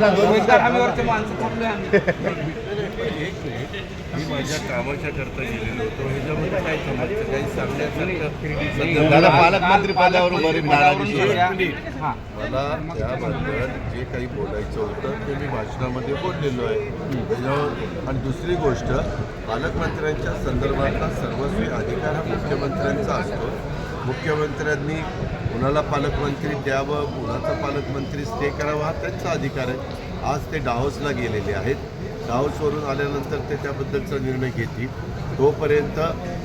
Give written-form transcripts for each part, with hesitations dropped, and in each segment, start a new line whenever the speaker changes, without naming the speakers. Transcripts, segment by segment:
रोजगार हमीवरचे माणसं थांबलोय आम्ही.
मी माझ्या कामाच्या करता गेलेलो होतो. ह्याच्यामध्ये काय समजतं काही सांगण्यासारखं
दादा पालकमंत्री पदावरून बरी नाराजी आहे.
हां
मला त्याबद्दल जे काही बोलायचं होतं ते मी भाषणामध्ये बोललेलो आहे. त्याच्यावर आणि दुसरी गोष्ट पालकमंत्र्यांच्या संदर्भातला सर्वस्वी अधिकार हा मुख्यमंत्र्यांचा असतो. मुख्यमंत्र्यांनी कुणाला पालकमंत्री द्यावं, कुणाचा पालकमंत्री स्टे करावा हा त्यांचा अधिकार आहे. आज ते डाव्होसला गेलेले आहेत. डाव्होसवरून आल्यानंतर ते त्याबद्दलचा निर्णय घेतील. तोपर्यंत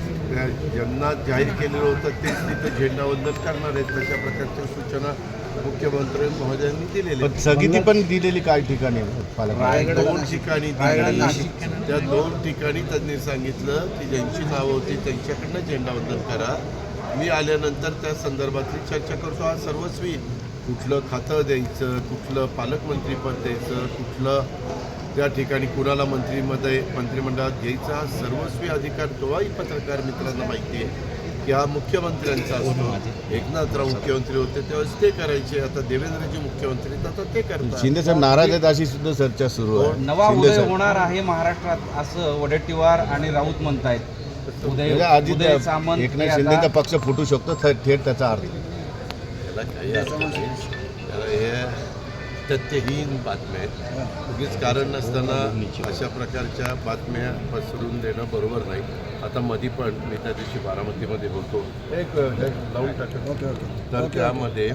ज्यांना जाहीर केलेलं होतं तेच तिथं झेंडावंदन करणार आहेत. तशा प्रकारच्या सूचना मुख्यमंत्री महोदयांनी दिलेल्या आहेत.
स्थगिती पण दिलेली काही ठिकाणी
रायगड 2 ठिकाणी दिलेली. त्या 2 ठिकाणी त्यांनी सांगितलं की ज्यांची नावं होती त्यांच्याकडनं झेंडावंदन करा. मी आल्यानंतर त्या संदर्भातली चर्चा करतो. आज सर्वस्वी कुठलं खातं द्यायचं, कुठलं पालकमंत्रीपद द्यायचं, कुठलं त्या ठिकाणी कुणाला मंत्रिमंडळात घ्यायचा हा सर्वस्वी अधिकार तोही पत्रकार मित्रांना माहिती आहे की हा मुख्यमंत्र्यांचा असतो. एकनाथराव मुख्यमंत्री होते तेव्हा ते करायचे. आता देवेंद्रजी मुख्यमंत्री आहेत, आता ते करतात.
शिंदे साहेब नाराज आहेत अशी सुद्धा चर्चा सुरू आहे.
नवा
शिंदे
उदय
साहेब.
होणार आहे महाराष्ट्रात असं वडेट्टीवार आणि राऊत म्हणतायत.
म्हणजे अजित
उदय सामंत
एकनाथ
हे
शिंदेचा
आता-
पक्ष फुटू शकतो थेट त्याचा अर्थ.
याला काही अर्थ नाही. याला हे तथ्यहीन बातम्या आहेत. उगीच कारण नसताना अशा प्रकारच्या बातम्या पसरून देणं बरोबर नाही. आता मधी पण मी त्या दिवशी बारामतीमध्ये होतो. एक लावून टाकतो. तर त्यामध्ये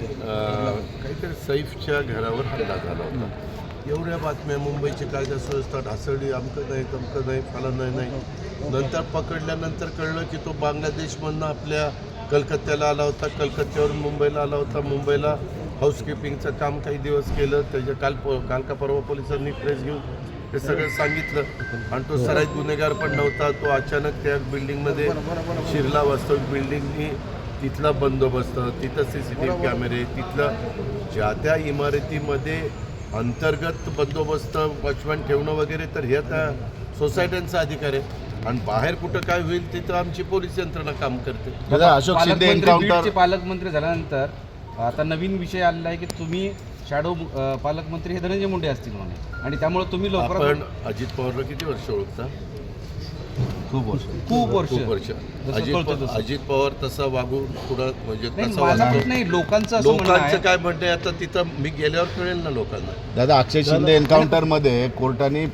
काहीतरी सैफच्या घरावर हल्ला झाला होता. एवढ्या बातम्या मुंबईची कायदा सुव्यवस्था ढासळली, अमकं नाही तमकं नाही फलानं नाही. नंतर पकडल्यानंतर कळलं की तो बांगलादेशमधनं आपल्या कलकत्त्याला आला होता. कलकत्त्यावरून मुंबईला आला होता. मुंबईला हाऊसकीपिंगचं काम काही दिवस केलं. त्याच्या काल का परवा पोलिसांनी प्रेस घेऊन हे सगळं सांगितलं. आणि तो सराईत गुन्हेगार पण नव्हता. तो अचानक त्या बिल्डिंगमध्ये शिरला. वास्तविक बिल्डिंगनी तिथला बंदोबस्त, तिथं CCTV कॅमेरे, तिथलं ज्या त्या इमारतीमध्ये अंतर्गत बंदोबस्त वॉचमॅन ठेवणं वगैरे, तर हे आता सोसायट्यांचा अधिकार आहे. आणि बाहेर कुठं काय होईल तिथं आमची पोलीस यंत्रणा काम करते.
अशोक शिंदे एन्काउंटर
पालकमंत्री झाल्यानंतर आता नवीन विषय आलेला आहे की तुम्ही शॅडो पालकमंत्री हे धनंजय मुंडे असतील म्हणे, आणि त्यामुळे तुम्ही
आपण
लवकरात
अजित पवारला किती वर्ष ओळखता?
खूप वर्ष
अजित पवार तसा वागून पुढं म्हणजे
नाही,
तसा
माझा
वागतो.
नाही, लोकांचं असं म्हणणं
लोकांचं
आहे.
काय म्हणणं आहे आता तिथं मी गेल्यावर कळेल ना लोकांना.
दादा अक्षय शिंदे एन्काउंटर मध्ये कोर्टाने